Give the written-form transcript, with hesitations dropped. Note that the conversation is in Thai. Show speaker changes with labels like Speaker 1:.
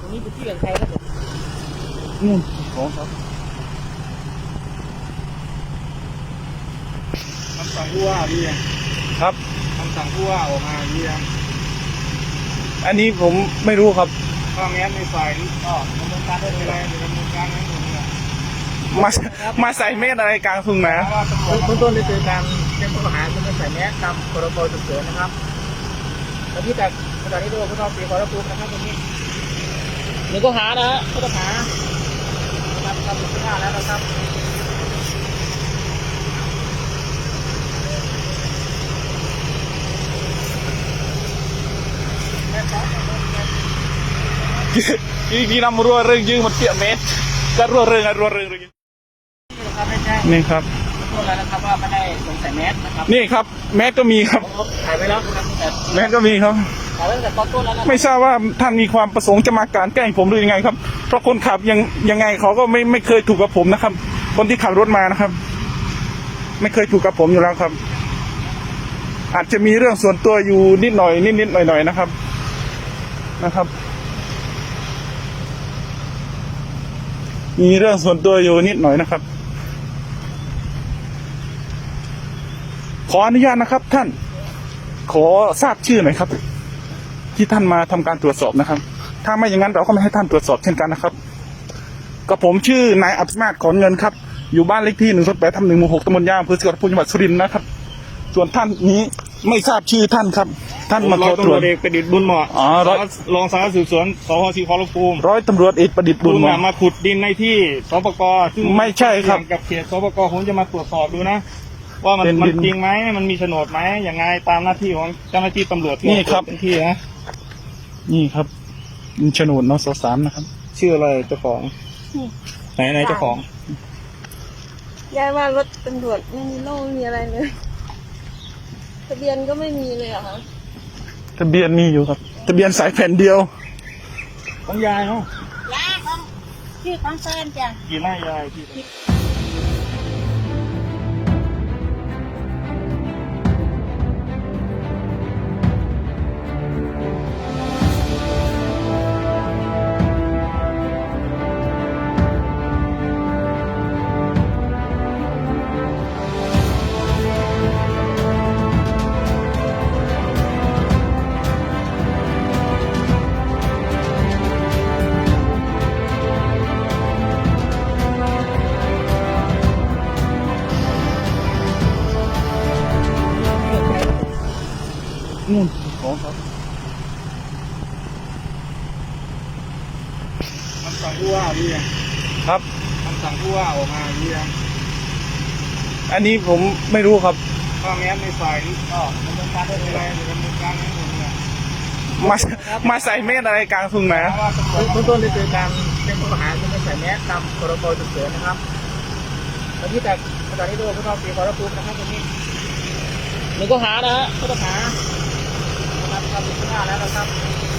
Speaker 1: รงนี้เป็นที่ของใครครับผม
Speaker 2: ของครับคำสั่งผู้ว่าดีครับคำสั่งผู้ว่าออกมาดีอันนี้ผมไม่รู้ครับถ้าแม้นในฝ่ายนี้ก็ดำเนินการได้เลยดำเนินการนั้นหมดเลยมาใส่เม็ดอะไรกลางทุ่งนา
Speaker 1: เบื้องต้นได้เจอการแจ้งข้อหาคือไม่ใส่แมสตามพรบฉุกเฉินนะครับตอนนี้จากสถานีตำรวจภูธรศรีขอรภูมินะครับตรงนี้หนึ่งข้อหานะฮะข้อหาทำผิดพลาดแล้วนะครับ
Speaker 2: กี่นำรัวเรื่องยืงมันเปียกเม็ดก็รัวเรื่องนี่ครับ
Speaker 1: พูดแล้วนะครับว่าไม่ได้สวมใส่แมสนะครับ
Speaker 2: นี่ครับแมสก็มีครับ
Speaker 1: ถ่ายไปแล้วนะครับ
Speaker 2: แมสก็มีครับ
Speaker 1: ถ่ายไว้ตั้งแต่ตอนต้นแล้วนะ
Speaker 2: ไม่ทราบว่าท่านมีความประสงค์จะมากลั่นแกล้งผมหรือยังไงครับเพราะคนขับยังไงเขาก็ไม่เคยถูกกับผมนะครับคนที่ขับรถมานะครับไม่เคยถูกกับผมอยู่แล้วครับอาจจะมีเรื่องส่วนตัวอยู่นิดหน่อยนะครับมีเรื่องส่วนตัวอยู่นิดหน่อยนะครับขออนุญาตนะครับท่านขอทราบชื่อหน่อยครับที่ท่านมาทำการตรวจสอบนะครับถ้าไม่อย่างนั้นเราก็ไม่ให้ท่านตรวจสอบเช่นกันนะครับกับผมชื่อนายอัศมาศขอนเงินครับอยู่บ้านเลขที่1/8/1 หมู่ 6ตำบลย่างอำเภอสกลนครจังหวัดสุรินทร์นะครับส่วนท่านนี้ไม่ทราบชื่อท่านครับท่านมาขอตรวจ
Speaker 3: เอกประดิษฐ์บุญเหมาะรองสารวัตรสืบสวนสพศรีขอรภูมิ
Speaker 2: ร้อยตำรวจเอกประดิษฐ์บุญเหมาะ
Speaker 3: มาขุดดินในที่สปกซึ่ง
Speaker 2: ไม่ใช่ครับ
Speaker 3: กับเขตสปกผมจะมาตรวจสอบดูนะว่ามันจริงไหมมันมีโฉนดไหมอย่างไงตามหน้าที่ของเจ้าหน้าที่ตำรวจ
Speaker 2: นี่ครับ
Speaker 3: ที่นะ
Speaker 2: นี่ครับโฉนดนส.3นะครับ
Speaker 3: ชื่ออะไรเจ้าของไหนเจ้าของ
Speaker 4: ยายว่ารถตำรวจไม่มีโล่ไม่มีอะไรเลยทะเบียนก็ไม่มีเลยอะคะ
Speaker 2: ทะเบียนมีอยู่ครับทะเบียนสายแผ่นเดียว
Speaker 3: ของยายเนาะ
Speaker 4: ยายของชื่อของแฟนจ้ะ
Speaker 3: กี่ไร่ยายที่
Speaker 2: นู่นของครับ
Speaker 3: คำสั่งผู้ว่าดี
Speaker 2: ครับ
Speaker 3: คำสั่งผู้ว่าออกมาดี
Speaker 2: อันนี้ผมไม่รู้ครับ
Speaker 3: ถ้าแม้นในฝ่ายนี้ก็ดำเนินการได้เลยดำเนินการนั้นหมดเลย
Speaker 2: มาใส่เม็ดอะไรกลางทุ่งนา
Speaker 1: เบื้องต้นได้เจอการแจ้งข้อหาคือไม่ใส่แมสตามพรบฉุกเฉินนะครับตอนนี้จากสถานีตำรวจภูธรศรีขอรภูมินะครับตรงนี้หนึ่งข้อหานะฮะข้อหาทำผิดพลาดแล้วนะครับ